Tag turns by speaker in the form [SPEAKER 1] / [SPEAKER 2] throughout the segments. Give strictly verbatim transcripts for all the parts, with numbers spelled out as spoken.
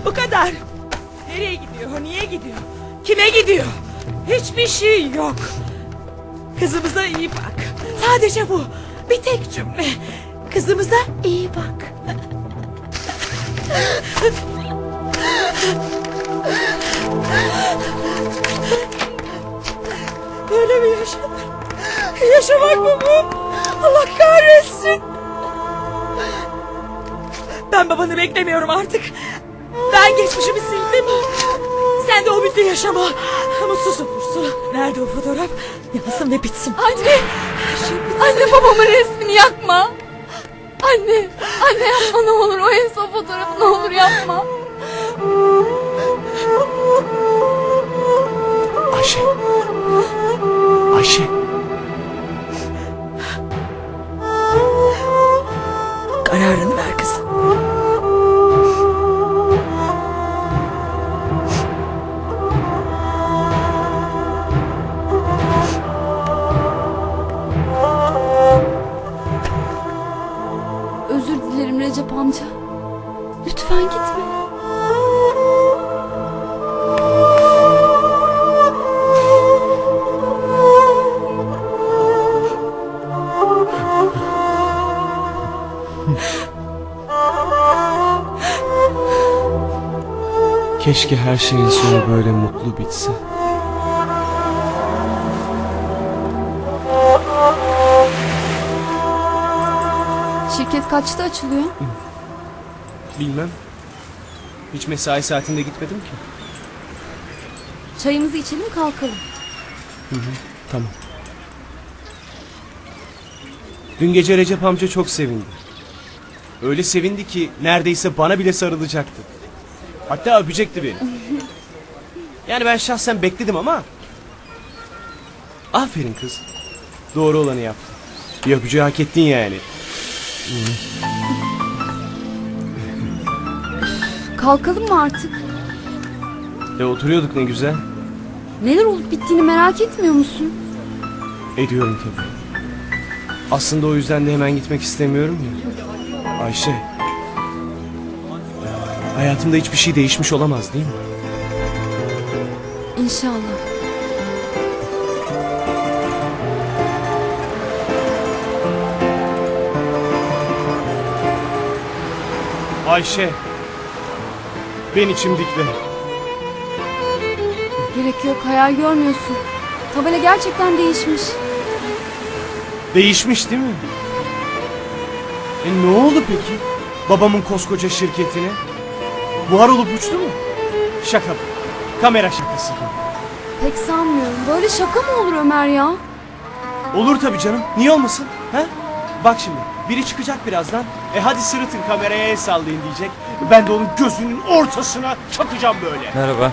[SPEAKER 1] Bu kadar. Nereye gidiyor? Niye gidiyor? Kime gidiyor? Hiçbir şey yok. Kızımıza iyi bak. Sadece bu. Bir tek cümle. Kızımıza iyi bak. Böyle mi yaşanır? Yaşamak mı bu? Allah kahretsin. Ben babanı beklemiyorum artık. Ben geçmişimi sildim. Sen de o müddet yaşama. Mutsuz olursun. Nerede o fotoğraf? Yansın ve bitsin.
[SPEAKER 2] Anne.
[SPEAKER 1] Şey bitsin.
[SPEAKER 2] Anne, babamın resmini yakma. Anne. Anne yapma ne olur. O en son fotoğrafı ne olur yapma.
[SPEAKER 3] Ayşe. Ayşe.
[SPEAKER 1] Kararını ver kızım.
[SPEAKER 2] Özür dilerim Recep amca. Lütfen gitme.
[SPEAKER 3] Keşke her şeyin sonu böyle mutlu bitse.
[SPEAKER 2] Şirket kaçta açılıyor?
[SPEAKER 3] Bilmem. Hiç mesai saatinde gitmedim ki.
[SPEAKER 2] Çayımızı içelim kalkalım.
[SPEAKER 3] Hı hı, tamam. Dün gece Recep amca çok sevindi. Öyle sevindi ki neredeyse bana bile sarılacaktı. Hatta öpecekti beni. Yani ben şahsen bekledim ama... Aferin kız. Doğru olanı yaptın. Bir öpücüğü hak ettin yani.
[SPEAKER 2] Kalkalım mı artık?
[SPEAKER 3] E oturuyorduk ne güzel.
[SPEAKER 2] Neler olup bittiğini merak etmiyor musun?
[SPEAKER 3] Ediyorum tabii. Aslında o yüzden de hemen gitmek istemiyorum ya. Ayşe. Hayatımda hiçbir şey değişmiş olamaz değil mi?
[SPEAKER 2] İnşallah.
[SPEAKER 3] Ayşe. Ben içim dikle.
[SPEAKER 2] Gerek yok, hayal görmüyorsun. Tabela gerçekten değişmiş.
[SPEAKER 3] Değişmiş değil mi? E ne oldu peki? Babamın koskoca şirketine. Buhar olup uçtu mu? Şaka bu. Kamera şakası bu.
[SPEAKER 2] Pek sanmıyorum. Böyle şaka mı olur Ömer ya?
[SPEAKER 3] Olur tabii canım. Niye olmasın? He? Bak şimdi. Biri çıkacak birazdan. E hadi sırıtın kameraya el sallayın diyecek. Ben de onun gözünün ortasına çakacağım böyle.
[SPEAKER 4] Merhaba.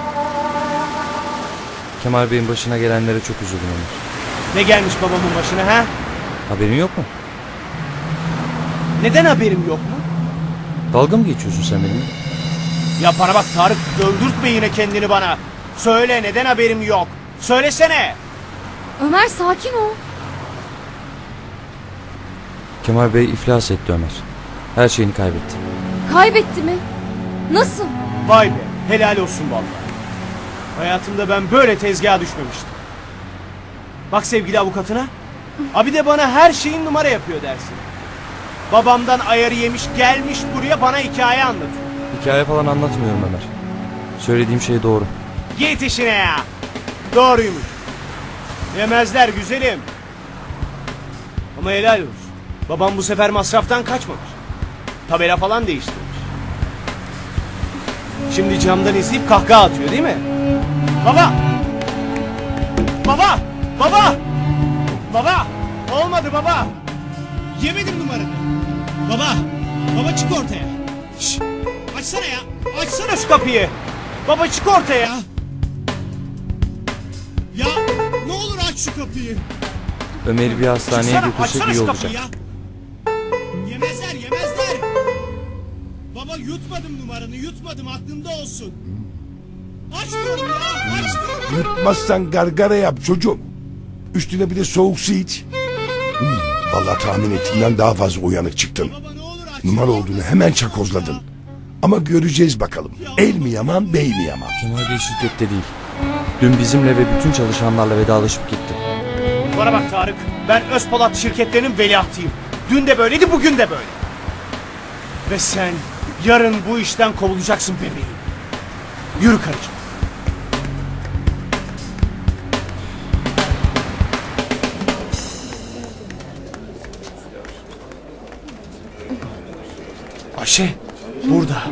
[SPEAKER 4] Kemal Bey'in başına gelenlere çok üzüldüm Ömer.
[SPEAKER 3] Ne gelmiş babamın başına ha?
[SPEAKER 4] Haberin yok mu?
[SPEAKER 3] Neden haberim yok mu?
[SPEAKER 4] Dalga mı geçiyorsun sen benimle?
[SPEAKER 3] Ya bana bak Tarık, öldürtme yine kendini bana. Söyle, neden haberim yok? Söylesene.
[SPEAKER 2] Ömer sakin ol.
[SPEAKER 4] Kemal Bey iflas etti Ömer. Her şeyini kaybetti.
[SPEAKER 2] Kaybetti mi? Nasıl?
[SPEAKER 3] Vay be, helal olsun vallahi. Hayatımda ben böyle tezgaha düşmemiştim. Bak sevgili avukatına. Abi de bana her şeyin numara yapıyor dersin. Babamdan ayarı yemiş gelmiş buraya bana hikaye anlatıyor.
[SPEAKER 4] Hikaye falan anlatmıyorum Ömer. Söylediğim şey doğru.
[SPEAKER 3] Git işine ya. Doğruymuş. Yemezler güzelim. Ama helal olsun. Babam bu sefer masraftan kaçmamış. Tabela falan değiştirmiş. Şimdi camdan izleyip kahkaha atıyor değil mi? Baba! Baba! Baba! Baba! Olmadı baba!
[SPEAKER 5] Yemedim numaranı. Baba! Baba çık ortaya. Şşş! Açsana ya! Açsana
[SPEAKER 3] Şu kapıyı! Baba çık ortaya!
[SPEAKER 5] ya! Ya ne olur aç şu kapıyı.
[SPEAKER 4] Ömer'i bir hastaneye
[SPEAKER 3] Çıksana,
[SPEAKER 4] götürsek
[SPEAKER 3] açsana
[SPEAKER 4] iyi
[SPEAKER 3] şu
[SPEAKER 4] olacak.
[SPEAKER 3] kapıyı
[SPEAKER 5] Ya. Yemezler yemezler. Baba yutmadım numaranı yutmadım aklımda olsun. Aç diyorum ya aç diyorum.
[SPEAKER 6] Yutmazsan gargara yap çocuğum. Üstüne bir de soğuk su iç. Hmm, vallahi tahmin ettiğimden daha fazla uyanık çıktın.
[SPEAKER 5] Baba ne olur aç.
[SPEAKER 6] Numara olduğunu hemen çakozladın. Ama göreceğiz bakalım. El mi yaman, bey mi yaman?
[SPEAKER 4] Kemal Bey şirkette değil. Dün bizimle ve bütün çalışanlarla vedalaşıp gitti.
[SPEAKER 3] Bana bak Tarık. Ben Özpolat şirketlerinin veliahtıyım. Dün de böyleydi, bugün de böyle. Ve sen yarın bu işten kovulacaksın bebeğim. Yürü karıcığım. Ayşe burada.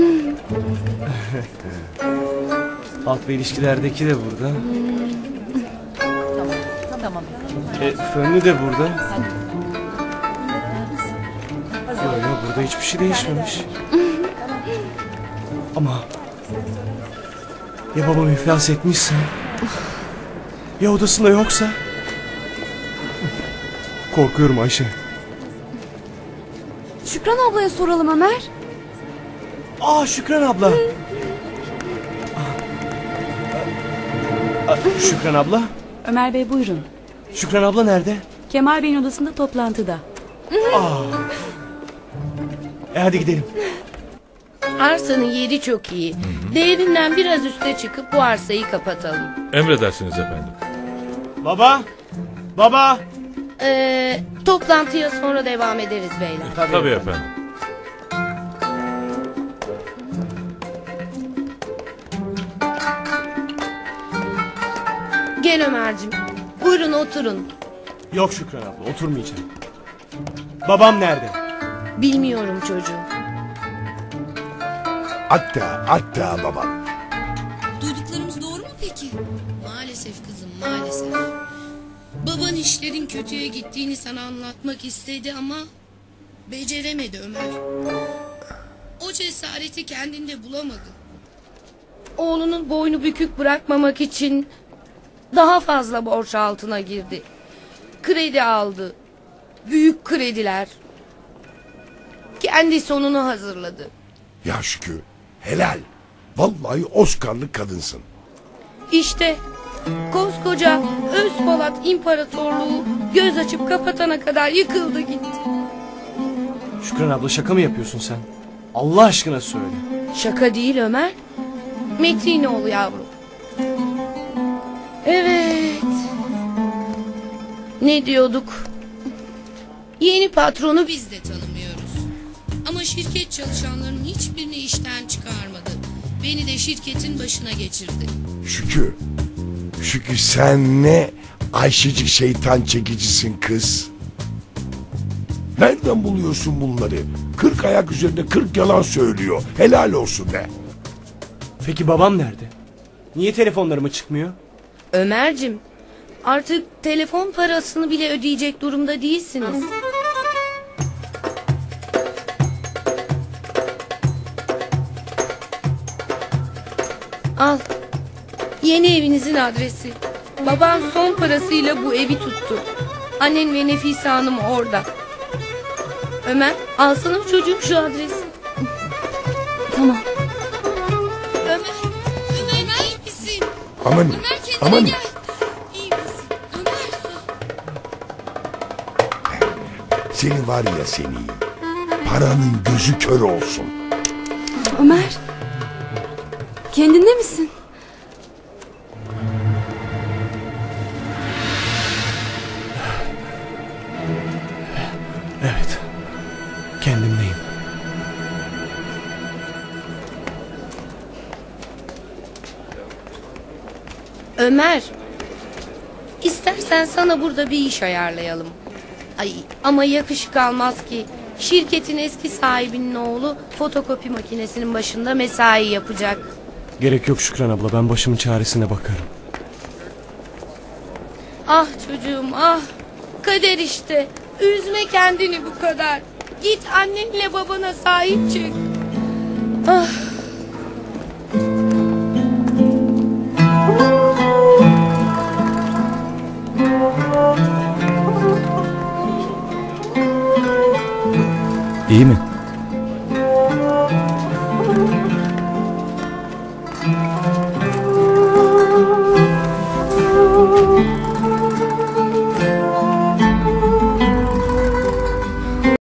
[SPEAKER 3] Halk ve ilişkilerdeki de burada.
[SPEAKER 1] Tamam.
[SPEAKER 3] E, Fönlü de burada. Yok yok, burada hiçbir şey değişmemiş. Ama ya babam iflas etmişse, ya odasında yoksa? Korkuyorum Ayşe.
[SPEAKER 2] Şükran ablaya soralım Ömer.
[SPEAKER 3] Aa, Şükran abla. Aa, aa, Şükran abla.
[SPEAKER 7] Ömer Bey buyurun.
[SPEAKER 3] Şükran abla nerede?
[SPEAKER 7] Kemal Bey'in odasında toplantıda.
[SPEAKER 3] Aa. E hadi gidelim.
[SPEAKER 8] Arsanın yeri çok iyi. Değerinden biraz üste çıkıp bu arsayı kapatalım.
[SPEAKER 9] Emredersiniz efendim.
[SPEAKER 3] Baba. Baba.
[SPEAKER 8] Ee, toplantıya sonra devam ederiz beyler.
[SPEAKER 3] Tabii,
[SPEAKER 9] Tabii efendim.
[SPEAKER 8] Gel Ömer'cim. Buyurun oturun.
[SPEAKER 3] Yok Şükran abla, oturmayacağım. Babam nerede?
[SPEAKER 8] Bilmiyorum çocuğum.
[SPEAKER 6] Hatta, hatta babam.
[SPEAKER 10] Duyduklarımız doğru mu peki? Maalesef kızım, maalesef. Baban işlerin kötüye gittiğini sana anlatmak istedi ama beceremedi Ömer. O cesareti kendinde bulamadı.
[SPEAKER 8] Oğlunun boynu bükük bırakmamak için daha fazla borç altına girdi. Kredi aldı. Büyük krediler. Kendi sonunu hazırladı.
[SPEAKER 6] Ya Şükrü, helal. Vallahi Oscar'lık kadınsın.
[SPEAKER 8] İşte koskoca Özpolat İmparatorluğu göz açıp kapatana kadar yıkıldı gitti.
[SPEAKER 3] Şükran abla, şaka mı yapıyorsun sen? Allah aşkına söyle.
[SPEAKER 8] Şaka değil Ömer. Metrinoğlu yavrum. Evet. Ne diyorduk? Yeni patronu biz
[SPEAKER 10] Biz de tanımıyoruz. Ama şirket çalışanlarının hiçbirini işten çıkarmadı. Beni de şirketin başına geçirdi.
[SPEAKER 6] Şükrü, Şükrü sen ne Ayşecik şeytan çekicisin kız. Nereden buluyorsun bunları? Kırk ayak üzerinde kırk yalan söylüyor. Helal olsun be.
[SPEAKER 3] Peki babam nerede? Niye telefonlarıma çıkmıyor?
[SPEAKER 8] Ömer'cim, artık telefon parasını bile ödeyecek durumda değilsiniz. Al. Yeni evinizin adresi. Baban son parasıyla bu evi tuttu. Annen ve Nefise Hanım orada. Ömer, alsana çocuğum şu adresi.
[SPEAKER 2] Tamam.
[SPEAKER 10] Ömer, Ömer iyi misin?
[SPEAKER 6] Aman,
[SPEAKER 10] Ömer kendine
[SPEAKER 6] aman.
[SPEAKER 10] gel. İyi misin? Ömer.
[SPEAKER 6] Seni var ya seni. Paranın gözü kör olsun.
[SPEAKER 2] Ömer. Kendinde misin?
[SPEAKER 3] Evet. Kendimdeyim.
[SPEAKER 8] Ömer, istersen sana burada bir iş ayarlayalım. Ay, ama yakışık almaz ki. Şirketin eski sahibinin oğlu fotokopi makinesinin başında mesai yapacak.
[SPEAKER 3] Gerek yok Şükran abla, ben başımın çaresine bakarım.
[SPEAKER 8] Ah çocuğum ah, kader işte. Üzme kendini bu kadar. Git annenle babana sahip çık. Ah.
[SPEAKER 4] İyi mi?